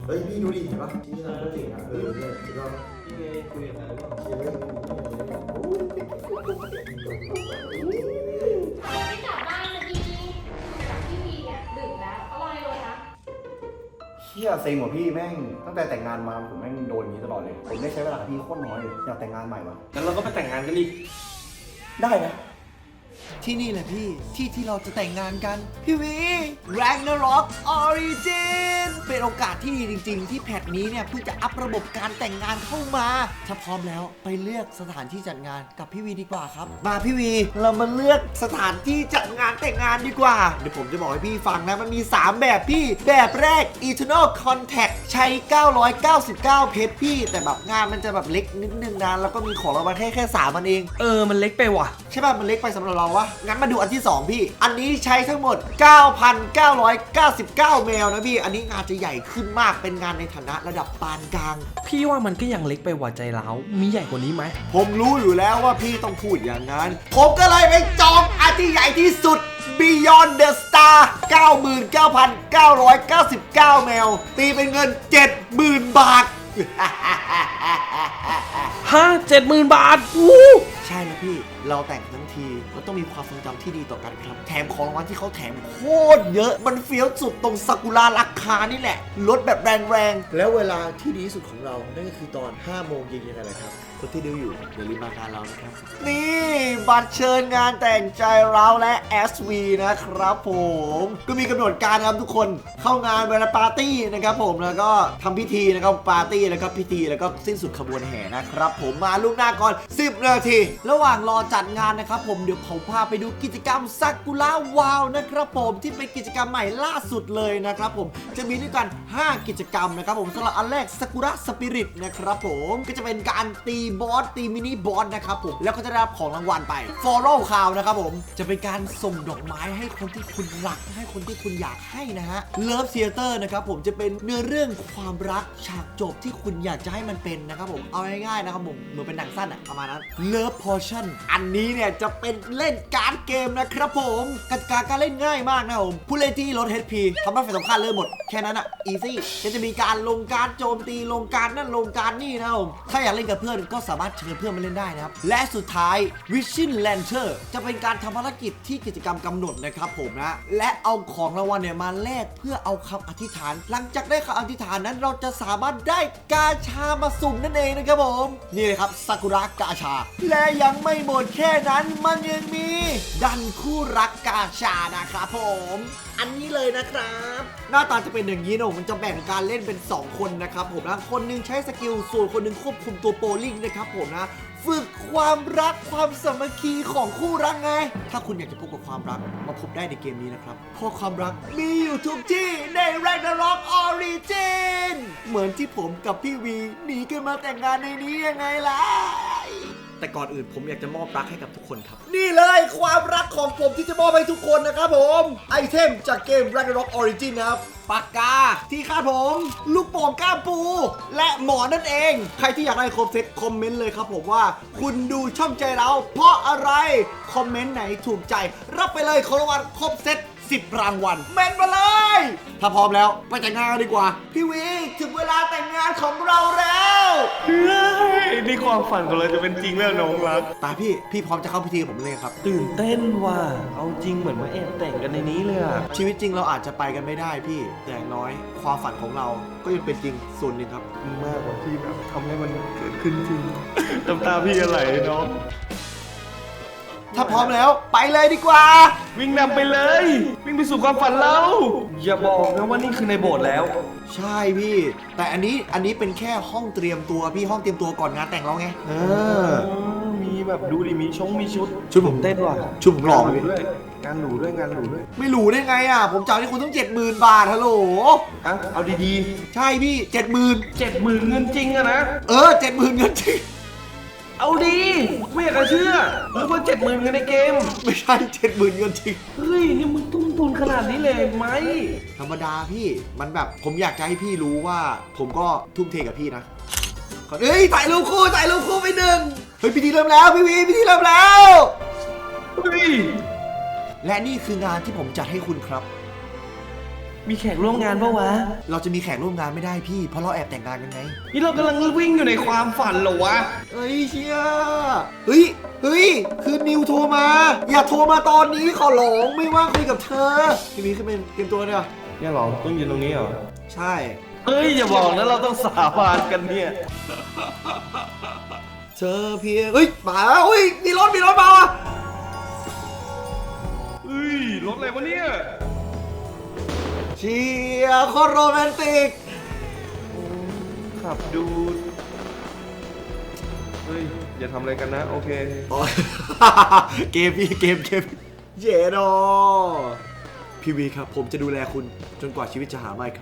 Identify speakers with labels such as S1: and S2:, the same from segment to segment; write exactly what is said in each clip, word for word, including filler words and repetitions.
S1: เฮ้ยพี่ดูดิเห็นปะที่นี่เราเจ๋งอ่ะเออเนี่ยสุดยอดพี่ไงคุยกับใครบ้างเชียร์ไม่กลับบ้านสักทีกับพี่วีเนี่ยดึกแล้วเขารอในรถนะเชี่ยเซ็งกว่าพี่แม่งตั้งแต่แต่งงานมาผมแม่งโดนอย่างนี้ตลอดเลยผมได้ใช้เวลากับพี่โคตรน้อยเลยอยากแต่งงานใหม่วะงั้นเราก็ไปแต่งงานกันดิได้นะ
S2: ที่นี่แหละพี่ที่ที่เราจะแต่งงานกันพี่วี Ragnarok Origin เป็นโอกาสที่ดีจริงๆที่แพทนี้เนี่ยเพิ่งจะอัพระบบการแต่งงานเข้ามาถ้าพร้อมแล้วไปเลือกสถานที่จัดงานกับพี่วีดีกว่าครับมาพี่วีเรามาเลือกสถานที่จัดงานแต่งงานดีกว่าเดี๋ยวผมจะบอกให้พี่ฟังนะมันมีสามแบบพี่แบบแรก Eternal Contact ใช้เก้าร้อยเก้าสิบเก้าเพชรพี่แต่แบบงานมันจะแบบเล็กนิดนึงนะแล้วก็มีของรางวัลแค่แค่สามมันเอง
S3: เออมันเล็กไปว่ะ
S2: ใช่ป่ะมันเล็กไปสำหรับเราวะงั้นมาดูอันที่สองพี่อันนี้ใช้ทั้งหมด เก้าพันเก้าร้อยเก้าสิบเก้า แมวนะพี่อันนี้งานจะใหญ่ขึ้นมากเป็นงานในฐานะระดับปานกลาง
S3: พี่ว่ามันก็ยังเล็กไปว่ะใจร้าวมีใหญ่กว่านี้ไหม
S2: ผมรู้อยู่แล้วว่าพี่ต้องพูดอย่างนั้นผมก็เลยไปจองอันที่ใหญ่ที่สุด Beyond the Star เก้าหมื่นเก้าพันเก้าร้อยเก้าสิบเก้า แมวตีเป็นเงิน เจ็ดหมื่น บาท
S3: ฮะ เจ็ดหมื่น บาทอู้
S2: ใช่แล้วพี่เราแต่งทั้งทีมันต้องมีความทรงจำที่ดีต่อกันครับแถมของรางวัลที่เขาแถมโคตรเยอะมันเฟี้ยวสุดตรงซากุระราคานี่แหละลดแบบแรงๆแล้วเวลาที่ดีที่สุดของเรานั่นก็คือตอนห้าโมงเย็นๆนั่นแหละครับคนที่ดูอยู่อย่าลืมมางานเรานะครับนี่บัตรเชิญงานแต่งใจเราและ เอส วี นะครับผมก็มีกำหนดการครับทุกคนเข้างานเวลาปาร์ตี้นะครับผมแล้วก็ทำพิธีนะครับปาร์ตี้แล้วก็พิธีแล้วก็สิ้นสุดขบวนแห่นะครับผมมาล่วงหน้าก่อนสิบนาทีระหว่างรอจัดงานนะครับผมเดี๋ยวผมพาไปดูกิจกรรมซากุระวาวนะครับผมที่เป็นกิจกรรมใหม่ล่าสุดเลยนะครับผมจะมีด้วยกันห้ากิจกรรมนะครับผมสำหรับอันแรกซากุระสปิริตนะครับผมก็จะเป็นการตีบอสตีมินิบอสนะครับผมแล้วก็จะได้รับของรางวัลไป Follow ข่าวนะครับผมจะเป็นการส่งดอกไม้ให้คนที่คุณรักให้คนที่คุณอยากให้นะฮะ Love Theater นะครับผมจะเป็นเนื้อเรื่องความรักฉากจบที่คุณอยากจะให้มันเป็นนะครับผมเอาง่ายๆนะครับผมเหมือนเป็นหนังสั้นอะประมาณนั้น Love Potion อันนี้เนี่ยจะเป็นเล่นการ์ดเกมนะครับผมกติกาการเล่นง่ายมากนะครับผมผู้เล่นที่ลด เอช พี ทำให้ฝ่ายตรงข้ามเริ่มหมดแค่นั้นอะ easy ก็จะมีการลงการโจมตีลงการนั่นลงการนี่นะครับผมถ้าอยากเล่นกับเพื่อนก็สามารถเชิญเพื่อนมาเล่นได้นะครับและสุดท้าย Vision Lantern จะเป็นการทำภารกิจที่กิจกรรมกำหนดนะครับผมนะและเอาของรางวัลเนี่ยมาแลกเพื่อเอาคำอธิษฐานหลังจากได้คำอธิษฐานนั้นเราจะสามารถได้กาชามาสุ่มนั่นเองนะครับผมนี่เลยครับซากุระกาชาและยังไม่หมดแค่นั้นมันยังมีดันคู่รักกาชานะครับผมอันนี้เลยนะครับหน้าตาจะเป็นอย่างนี้นะมันจะแบ่งการเล่นเป็นสองคนนะครับผมนะคนนึงใช้สกิลส่วนคนนึงควบคุมตัวโปลิงนะครับผมนะฝึกความรักความสามัคคีของคู่รักไงถ้าคุณอยากจะพบกับความรักมาพบได้ในเกมนี้นะครับเพราะความรักมีอยู่ทุกที่ใน Ragnarok Origin เหมือนที่ผมกับพี่วีหนีกันมาแต่งงานในนี้ยังไงล่ะแต่ก่อนอื่นผมอยากจะมอบรักให้กับทุกคนครับนี่เลยความรักของผมที่จะมอบให้ทุกคนนะครับผมไอเทมจากเกม Ragnarok Origin นะครับปากกาที่คาดผมลูกโป่งก้ามปูและหมอนนั่นเองใครที่อยากได้ครบเซตคอมเมนต์เลยครับผมว่าคุณดูช่องใจเราเพราะอะไรคอมเมนต์ไหนถูกใจรับไปเลยของรางวัลครบเซตสิบรางวัลเมนมาเลยถ้าพร้อมแล้วไปแต่งงานกันดีกว่าพี่วีถึงเวลาแต่งงานของเราแล้ว
S3: เฮ้ยนี่ความฝันของเราจะเป็นจริงแล้วน้องรัก
S2: ตาพี่พี่พร้อมจะเข้าพิธีผมเลยครับ
S3: ตื่นเต้นว่ะเอาจริงเหมือนมาแอบแต่งกันในนี้เลยอะ
S2: ชีวิตจริงเราอาจจะไปกันไม่ได้พี่แต่อย่างน้อยความฝันของเราก็ยังเป็นจริงส่วนหนึ่งครับ
S3: มากกว่าที่แบบทำให้มันเกิดขึ้นจริงน้ำตาพี่อะไรน้อง
S2: ถ้าพร้อมแล้วไปเลยดีกว่า
S3: วิ่งนำไปเลยวิ่งไปสู่ความฝันเราอย่าบอกนะว่านี่คือในโบสถ์แล้ว
S2: ใช่พี่แต่อันนี้อันนี้เป็นแค่ห้องเตรียมตัวพี่ห้องเตรียมตัวก่อนงานแต่งเราไงเออ
S3: มีแบบดูดิมีชงมีชุด
S2: ชุดผม
S3: เต้นว่ะ
S2: ชุดผมหล่อ
S3: ด้วยงานหรูด้วยงานหรูด้วย
S2: ไม่หรูได้ไงอ่ะผมจ่ายให้คุณต้องเจ็ดหมื่นบาทฮัลโหล
S3: อ่ะเอาดี
S2: ๆใช่พี่เจ็ดหมื่น
S3: เจ็ดหมื่นเงินจริงอะนะ
S2: เออเจ็ดหมื่นเงินจริง
S3: เอาดีไม่อยากจะเชื่อหรือว่าเจ็ดหมื่นเงินในเกม
S2: ไม่ใช่เจ็ดหมื่นเงินจริง
S3: เฮ้ยนี่มึงตุ้มทุนขนาดนี้เลยไหม
S2: ธรรมดาพี่มันแบบผมอยากจะให้พี่รู้ว่าผมก็ทุ่มเทกับพี่นะเฮ้ยถ่ายรูปคู่ถ่ายรูปคู่ไปหนึ่งเฮ้ยพิธีเริ่มแล้วพี่วีพิธีเริ่มแล้ว
S3: เฮ้ย
S2: และนี่คืองานที่ผมจัดให้คุณครับ
S3: มีแขกร่วมงานปะวะ
S2: เราจะมีแขกร่วมงานไม่ได้พี่เพราะเราแอบแต่งงานกันไง
S3: นี่เรากำลังวิ่งอยู่ในความฝันเหรอวะ
S2: เฮ้ยเชียเฮ้ยเฮ้ยคือนิวโทรมา อย่าโทรมาตอนนี้ขอร้องไม่ว่างคุยกับเธอพี่มีขึ้นเป็นเตรียมตัวเนี่ย
S3: เนี่ยเหรอต้องยืนตรงนี้เหรอ
S2: ใช่
S3: เฮ้ยอย่าบอกนะเราต้องสาบานกันเนี่ย
S2: เธอเพียงเฮ้ยมาแล้วเฮ้ยมีรถมีรถมาอ่ะ
S3: เฮ้ยรถอะไรวะเนี่ย
S2: เชียโคตรโรแมนติก
S3: ขับดูเฮ้ยอย่าทำอะไรกันนะโอเค
S2: อ๋อ เกมพี่เกมเกมเยโดพี่วีครับผมจะดูแลคุณจนกว่าชีวิตจะหาไม่ครับ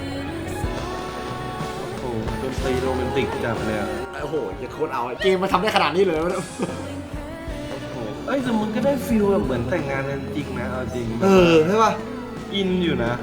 S3: โอ้โหดนตรีโรแมนติกจัดเลยอะ
S2: โอ้โหอย่าโคตรเอาเกมมาทำได้ขนาดนี้เลย
S3: โอ้โหเอ้ยแต่มันก็ได้ฟีลแบบเหมือนแต่งงานกันจริงนะเอาจริง
S2: เออใช่ป่ะ
S3: อินอยู่นะ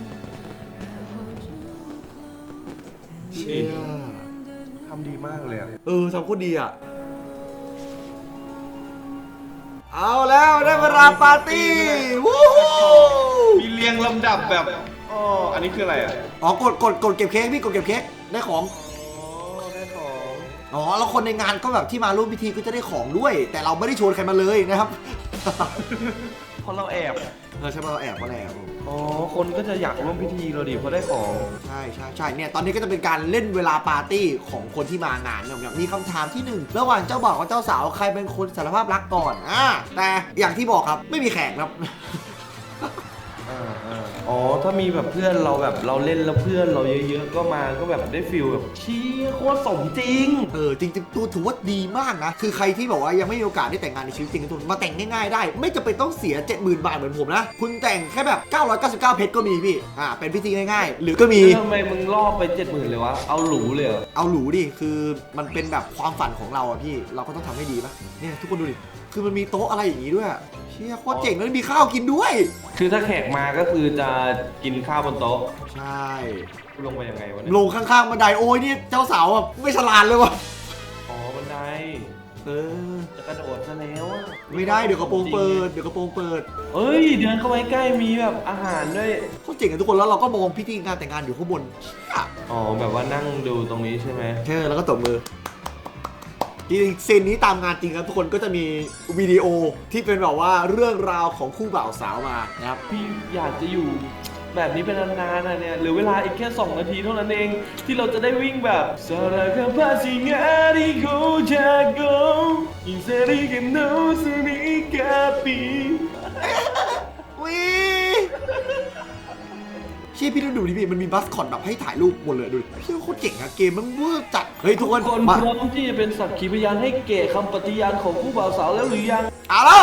S2: เชี่ย
S3: ทำดีมากเลยอะ
S2: เออทำโคตรดีอ่ะเอาแล้วได้เวลาปาร์ตี้วู้ฮู้
S3: มีเรียงลำดับแบบอ๋ออันนี้คืออะไรอ่ะ
S2: อ๋อกดกดกดเก็บเค้กพี่กดเก็บเค้กได้ของ
S3: อ๋อได้ของ
S2: อ๋อแล้วคนในงานก็แบบที่มาร่วมพิธีก็จะได้ของด้วย แต่เราไม่ได้ชวนใครมาเลยนะครับ
S3: เพราะเราแอบ
S2: เออใช่ป่ะเราแอบมาแอบ
S3: อ๋อคนก็จะอยากร่วมพิธีเราดิเพราะได้ของ
S2: ใช่ใช่ใช่เนี่ยตอนนี้ก็จะเป็นการเล่นเวลาปาร์ตี้ของคนที่มางานเนี่ยมีคำถามที่หนึ่งระหว่างเจ้าบ่าวกับเจ้าสาวใครเป็นคนสารภาพรักก่อนอ่าแต่อย่างที่บอกครับไม่มีแขกครับ
S3: อ่าอ่าอ๋อถ้ามีแบบเพื่อนเราแบบเราเล่นแล้วเพื่อนเราเยอะๆก็มาก็แบบได้ฟิลแบบเชี่ยโคตรสมจริง
S2: เออจริงๆตัวถือว่าดีมากนะคือใครที่บอกว่ายังไม่มีโอกาสได้แต่งงานในชีวิตจริงทุกคนมาแต่งง่ายๆได้ไม่จำเป็นต้องเสีย เจ็ดหมื่น บาทเหมือนผมนะคุณแต่งแค่แบบเก้าร้อยเก้าสิบเก้าเพชรก็มีพี่อ่าเป็นพิธีง่ายๆ หรือก็มี
S3: แล้วทำไมมึงล่อไปเจ็ดหมื่นเลยวะเอาหรูเลยเหรอ
S2: เอาหรูดิคือมันเป็นแบบความฝันของเราอะพี่เราก็ต้องทำให้ดีปะเนี่ยทุกคนดูดิคือมันมีโต๊ะอะไรอย่างนี้ด้วยอะเชี่ยโคตรเจ๋งแล้วมีข้าวกินด้วย
S3: คือถ้าแขกมาก็คือจะกินข้าวบนโต๊ะ
S2: ใช่
S3: ลงไปยังไงวะเนี่ย
S2: ลงข้างๆบันไดโอ้ยนี่เจ้าสาวแบบไม่ฉลาดเลยวะ
S3: อ๋อบันได
S2: เออ
S3: จะกระโดดซะแล้วอะ
S2: ไม่ได้เดี๋ยวกระโปรงเปิดเดี๋ยวกระโปรงเปิด
S3: เอ้ยเดินเข้าไปใกล้มีแบบอาหารด้วย
S2: โคตรเจ๋งกันทุกคนแล้วเราก็มองพิธีงานแต่งงานอยู่ข้างบนเชี่ย
S3: อ๋อแบบว่านั่งดูตรงนี้ใช่ไหม
S2: ใช่แล้วก็ตบมือจริงๆซีนนี้ตามงานจริงครับทุกคนก็จะมีวิดีโอที่เป็นแบบว่าเรื่องราวของคู่บ่าวสาวมานะครับ
S3: พี่อยากจะอยู่แบบนี้เป็นนานๆนะเนี่ยเหรือเวลาอีกแค่สองนาทีเท่านั้นเองที่เราจะได้วิ่งแบบสระกับภาษีงาดิโกจาก็อินเซริเกมโนสนิกาปี
S2: วิเชี่ยพี่ต้องดูดิพี่มันมีบัสคอตแบบให้ถ่ายรูปหมดเลยดูดิพี่โคตรเจ๋งอะเกมมันเวอร์จัดเฮ้ยทุกคน
S3: คน
S2: มา
S3: พร้อมที่จะเป็นสักขีพยานให้เกะคำปฏิญาณของผู้บ่าวสาวแล้วหรือยัง
S2: เอาแล้ว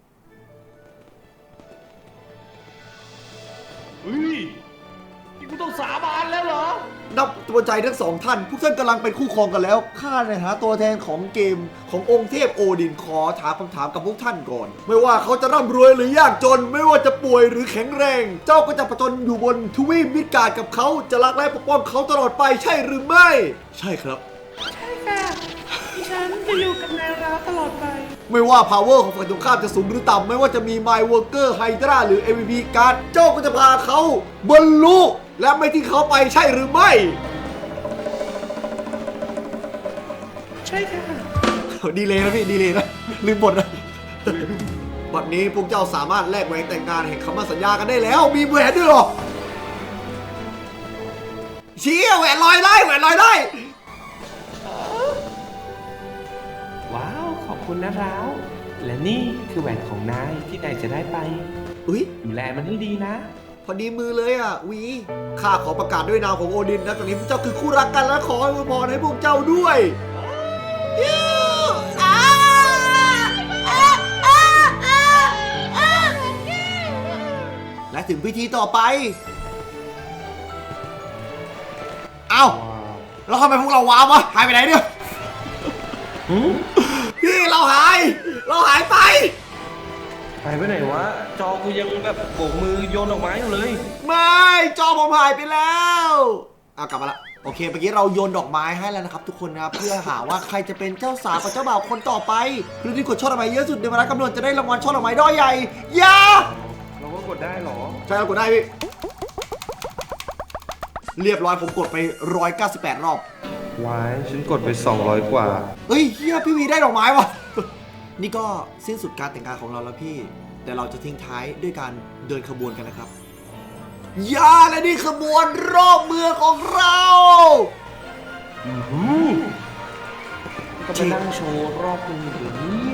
S3: เฮ้ยนี่กูต้องสาบานแล้วเหรอ
S2: นับตัวใจทั้งสองท่านพวกท่านกำลังเป็นคู่ครองกันแล้วข้าในฐานะตัวแทนของเกมขององค์เทพโอดินขอถามคำถามกับพวกท่านก่อน ไม่ว่าเขาจะร่ำรวยหรือยากจน ไม่ว่าจะป่วยหรือแข็งแรง เจ้าก็จะประจนอยู่บนทวีปมิดการ์ดกับเขาจะรักและปกป้องเขาตลอดไปใช่หรือไม่ ใช่ครับ
S3: ฉันจะอยู่กับนายร้าวตลอดไป
S2: ไม่ว่า power ของฝ่ายตรงข้ามจะสูงหรือต่ำไม่ว่าจะมี My Worker Hydra หรือ เอ็ม วี พี การ์ดเจ้าก็จะพาเขาบรรลุและไม่ทิ้งเขาไปใช่หรือไม่
S3: ใช่ค่ะ
S2: ดีเลยนะพี่ดีเลยนะลืมบทนะบัดนี้พวกเจ้าสามารถแลกแหวนแต่งงานแห่งคำมั่นสัญญากันได้แล้ว มีแหวนด้วยเหรอเชี่ยแหวนลอยได้แหวนลอยได้
S3: ว้าว ขอบคุณนะร้าวและนี่คือแหวนของนายที่นายจะได้ไป
S2: อุ้ย
S3: ดูแลมันให้ดีนะ
S2: พอดีมือเลยอ่ะวีข้าขอประกาศด้วยนามของโอดินนะตอนนี้พวกเจ้าคือคู่รักกันและขออวยพรให้พวกเจ้าด้วยยูอ้าอ้าอ้าอ้าอ้าและถึงพิธีต่อไปเอ้าแล้วทำไมพวกเราว้าววะหายไปไหนเนี่ยพี่เราหาย เราหายไป
S3: หายไปไหนวะ จอกูยังแบบโบกมือโยนดอกไม้อยู่เลย
S2: ไม่จอผมหายไปแล้วเอากลับมาละโอเคเมื่อกี้เราโยนดอกไม้ให้แล้วนะครับทุกคนนะครับเพื่อหาว่าใครจะเป็นเจ้าสาวกับเจ้าบ่าวคนต่อไปหรือที่กดช่อดอกไม้เยอะสุดในเวลากำหนดจะได้รางวัลช่อดอกไม้ด้อยใหญ่อยา
S3: เราก็กดได้เหรอ
S2: ใช่เรากดได้พี่เรียบร้อยผมกดไปหนึ่งร้อยเก้าสิบแปดรอบ
S3: วายฉันกดไปสองร้อยกว่า
S2: เฮ้ยเฮียพี่วีได้ดอกไม้วะ นี่ก็สิ้นสุดการแต่งงานของเราแล้วพี่ แต่เราจะทิ้งท้ายด้วยการเดินขบวนกันนะครับยาและนี่ขบวนรอบเมืองของเรา
S3: ก็ไปนั่งโชว์รอบนึงอยู่เนี่ย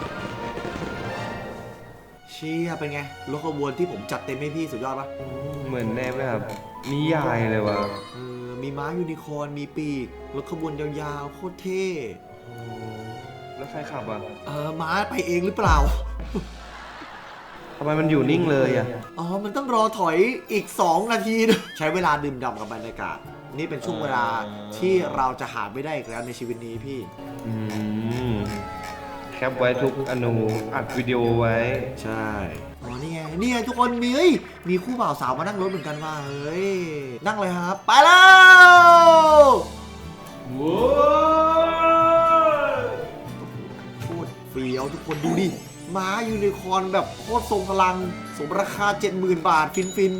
S2: เชี่ยเป็นไงรถขบวนที่ผมจัดเต็มให้พี่สุดยอดปะ
S3: เหมือนแนวแบบนิยายเลยว่ะ
S2: เออมีม้ายูนิคอร์นมีปีกรถขบวนยาวๆโคตรเท่
S3: แล้วใครขับอ่ะ
S2: เออม้าไปเองหรือเปล่า
S3: ทำไมมันอยู่นิ่งเลยอ่ะ
S2: อ๋อ มันต้องรอถอยอีก สอง นาทีนะใช้เวลาดื่มด่ำกับบรรยากาศ นี่เป็นช่วงเวลาที่เราจะหาไม่ได้อีกแล้วในชีวิตนี้พี่
S3: อืมแคปไว้ทุกอนูอัดวิดีโอไว้
S2: ใช่ อ๋อ นี่ไง นี่ไงทุกคนมีเฮ้ยมีคู่บ่าวสาวมานั่งรถเหมือนกันว่าเฮ้ย นั่งเลยครับ ไปแล้ว
S3: ว้าว
S2: โคตรเฟี้ยวทุกคนดูดิ ม้ายูนิคอร์นแบบโคตรทรงพลัง สมราคา เจ็ดหมื่น บาท ฟินฟิน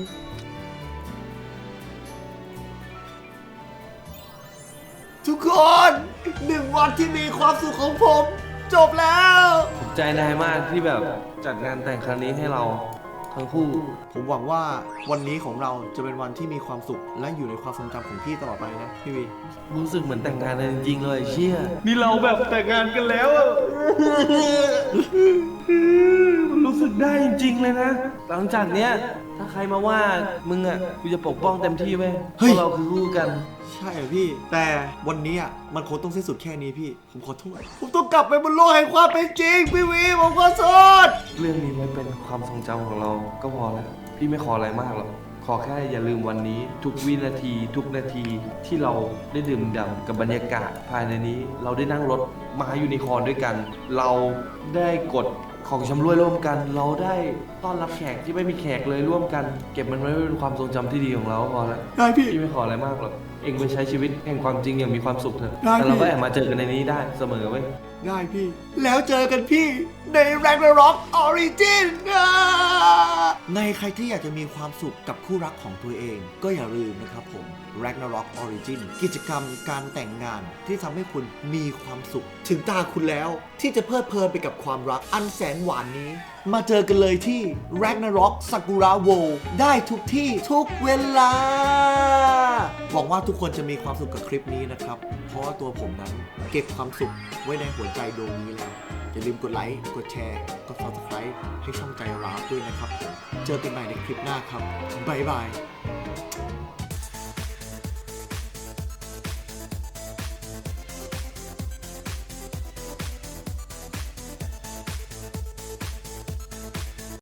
S2: ทุกคนหนึ่งวันที่มีความสุขของผม จบแล้ว
S3: ภูมิใจนายมากที่แบบจัดงานแต่งครั้งนี้ให้เราทั้งคู่
S2: ผมหวังว่าวันนี้ของเราจะเป็นวันที่มีความสุขและอยู่ในความทรงจำของพี่ตลอดไปนะพี่วี
S3: รู้สึกเหมือนแต่งงานกันจริงๆเลยเชี่ยนี่เราแบบแต่งงานกันแล้วอะรู้สึกได้จริงๆเลยนะ หลังจากเนี้ยถ้าใครมาว่ามึงอ่ะกูจะปกป้องเต็มที่เว้ยเพราะเราคือคู่กัน
S2: ใช่เหรอพี่ แต่วันนี้อ่ะมันคงต้องสิ้นสุดแค่นี้พี่ ผมขอโทษ ผมต้องกลับไปบนโลกแห่งความเป็นจริงพี่วีผมขอโทษ
S3: เรื่องนี้ไว้เป็นความทรงจำของเราก็พอแล้ว พี่ไม่ขออะไรมากหรอก ขอแค่อย่าลืมวันนี้ ทุกวินาที ทุกนาทีที่เราได้ดื่มด่ำกับบรรยากาศภายในนี้ เราได้นั่งรถมายูนิคอร์นด้วยกัน เราได้กดของชำร่วยร่วมกัน เราได้ต้อนรับแขกที่ไม่มีแขกเลยร่วมกัน เก็บมันไว้เป็นความทรงจำที่ดีของเราก็พอแล้ว
S2: ได้พี่
S3: พี่ไม่ขออะไรมากหรอก เองไปใช้ชีวิตแห่งความจริงอย่างมีความสุขเถอะ
S2: ได้พี่
S3: แต่เราก็แอบมาเจอกันในนี้ได้เสมอเว้ย
S2: ได้พี่ แล้วเจอกันพี่ใน Ragnarok Origin นะในใครที่อยากจะมีความสุขกับคู่รักของตัวเอง ก็อย่าลืมนะครับผม Ragnarok Origin กิจกรรมการแต่งงานที่ทำให้คุณมีความสุข ถึงตาคุณแล้วที่จะเพลิดเพลินไปกับความรักอันแสนหวานนี้ มาเจอกันเลยที่ Ragnarok Sakura World ได้ทุกที่ทุกเวลา หวังว่าทุกคนจะมีความสุขกับคลิปนี้นะครับ เพราะว่าตัวผมนั้นเก็บความสุขไว้ในหัวใจดวงนี้แล้ว อย่าลืมกดไลค์ กดแชร์ กด ซับสไครบ์ ให้ช่องใจร้าวด้วยนะครับผม เจอกันใหม่ในคลิปหน้าครับ บ๊ายบาย